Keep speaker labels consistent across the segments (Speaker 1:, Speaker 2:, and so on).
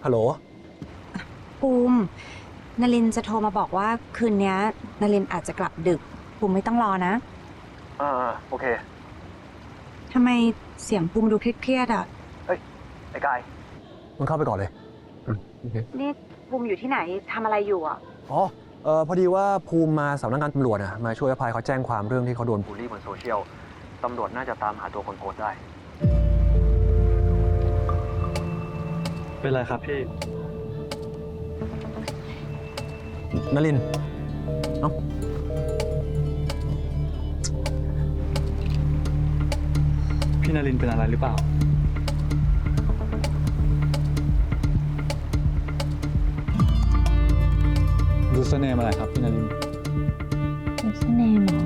Speaker 1: ฮัลโหล
Speaker 2: ภูมินลินจะโทรมาบอกว่าคืนนี้นลินอาจจะกลับดึกภูมิไม่ต้องรอนะ
Speaker 1: โอเค
Speaker 2: ทำไมเสียงภูมิดูเครียดๆอ่ะ
Speaker 1: เฮ้ยไอ้กายมึงเข้าไปก่อนเลยโอเค
Speaker 2: นี่ภูมิอยู่ที่ไหนทำอะไรอยู่อ่ะ
Speaker 1: พอดีว่าภูมิมาสำนักงานตำรวจนะมาช่วยอภัยเขาแจ้งความเรื่องที่เขาโดนบูลลี่บนโซเชียลตำรวจน่าจะตามหาตัวคนโพสต์ได้
Speaker 3: เป็นไรครับพี่
Speaker 1: นลินเนาะ
Speaker 3: พี่นรินทร์เป็นอะไรหรือเปล่ายูสเนมอะไรครับพี่นรินทร์
Speaker 2: ยูสเนมเหรอ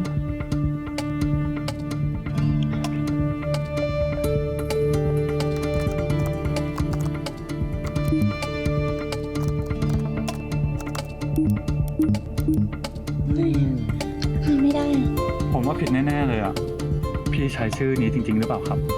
Speaker 2: ไม่ได้
Speaker 3: ผมว่าผิดแน่ๆเลยอ่ะพี่ใช้ชื่อนี้จริงๆหรือเปล่าครับ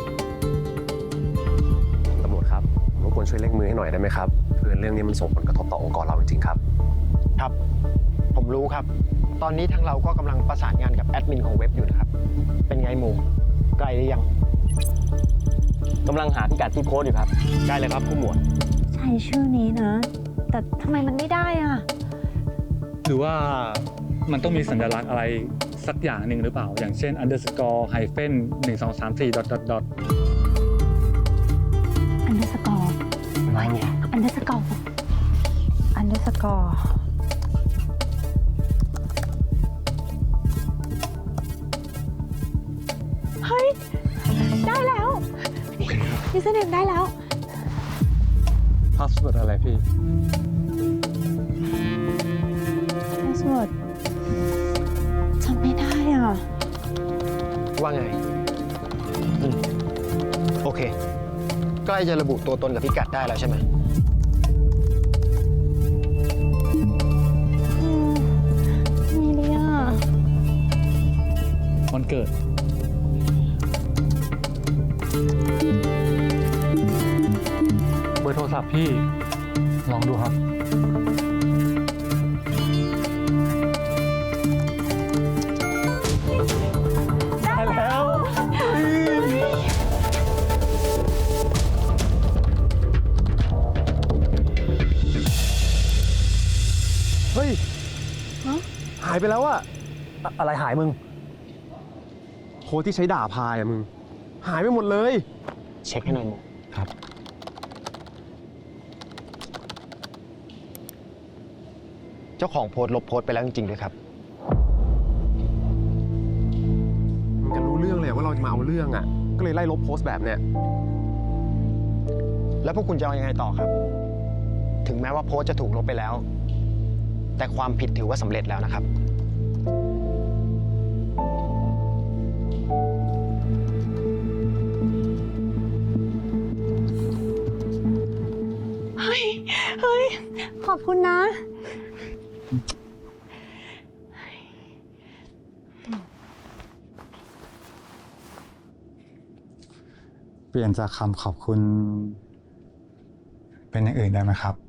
Speaker 1: ตำรวจครับรบกวนช่วยเร่งมือให้หน่อยได้ไหมครับเพื่อเรื่องนี้มันส่งผลกระทบต่อองค์กรเราจริงๆครับ
Speaker 4: ครับผมรู้ครับตอนนี้ทางเราก็กำลังประสานงานกับแอดมินของเว็บอยู่นะครับเป็นไงหมูใกล้หรือยัง
Speaker 5: กำลังหาพิกัดที่โพสต์อยู่ครับ
Speaker 4: ใกล้เลยครับผู้หมวด
Speaker 2: ใช้ชื่อนี้นะแต่ทำไมมันไม่ได้อ่ะ
Speaker 3: หรือว่ามันต้องมีสัญลักษณ์อะไรสักอย่างหนึ่งหรือเปล่าอย่างเช่น underscore hyphen 1234 dot dot dot
Speaker 2: underscore ว่าไง underscore เฮ้ยได้แล้วยูสเนมได้แล้ว
Speaker 3: พาสเวิร์ดอะไรพี่
Speaker 2: password จำไม่ได้อ่ะ
Speaker 4: ว่าไงโอเคใกล้จะระบุตัวตนกับพิกัดได้แล้วใช่ไหม
Speaker 2: มีเลยอ่ะ
Speaker 3: วันเกิดเบอร์โทรศัพท์พี่ลองดูครับได้แล้ว
Speaker 1: เฮ้ยหายไปแล้วอะอะไรหายมึงโค้ดที่ใช้ด่าพายอะมึงหายไปหมดเลย
Speaker 4: เช็คให้หน่อยหมู
Speaker 1: ครับ
Speaker 4: เจ้าของโพสต์ลบโพสต์ไปแล้วจริงๆด้วยครับ
Speaker 1: มันจะรู้เรื่องเลยว่าเราจะมาเอาเรื่องอะก็เลยไล่ลบโพสต์แบบเนี้ย
Speaker 4: แล้วพวกคุณจะเอายังไงต่อครับถึงแม้ว่าโพสต์จะถูกลบไปแล้วแต่ความผิดถือว่าสำเร็จแล้วนะครับ
Speaker 2: เฮ้ยขอบคุณนะ
Speaker 3: เปลี่ยนจากคำขอบคุณเป็นอย่างอื่นได้ไหมครับ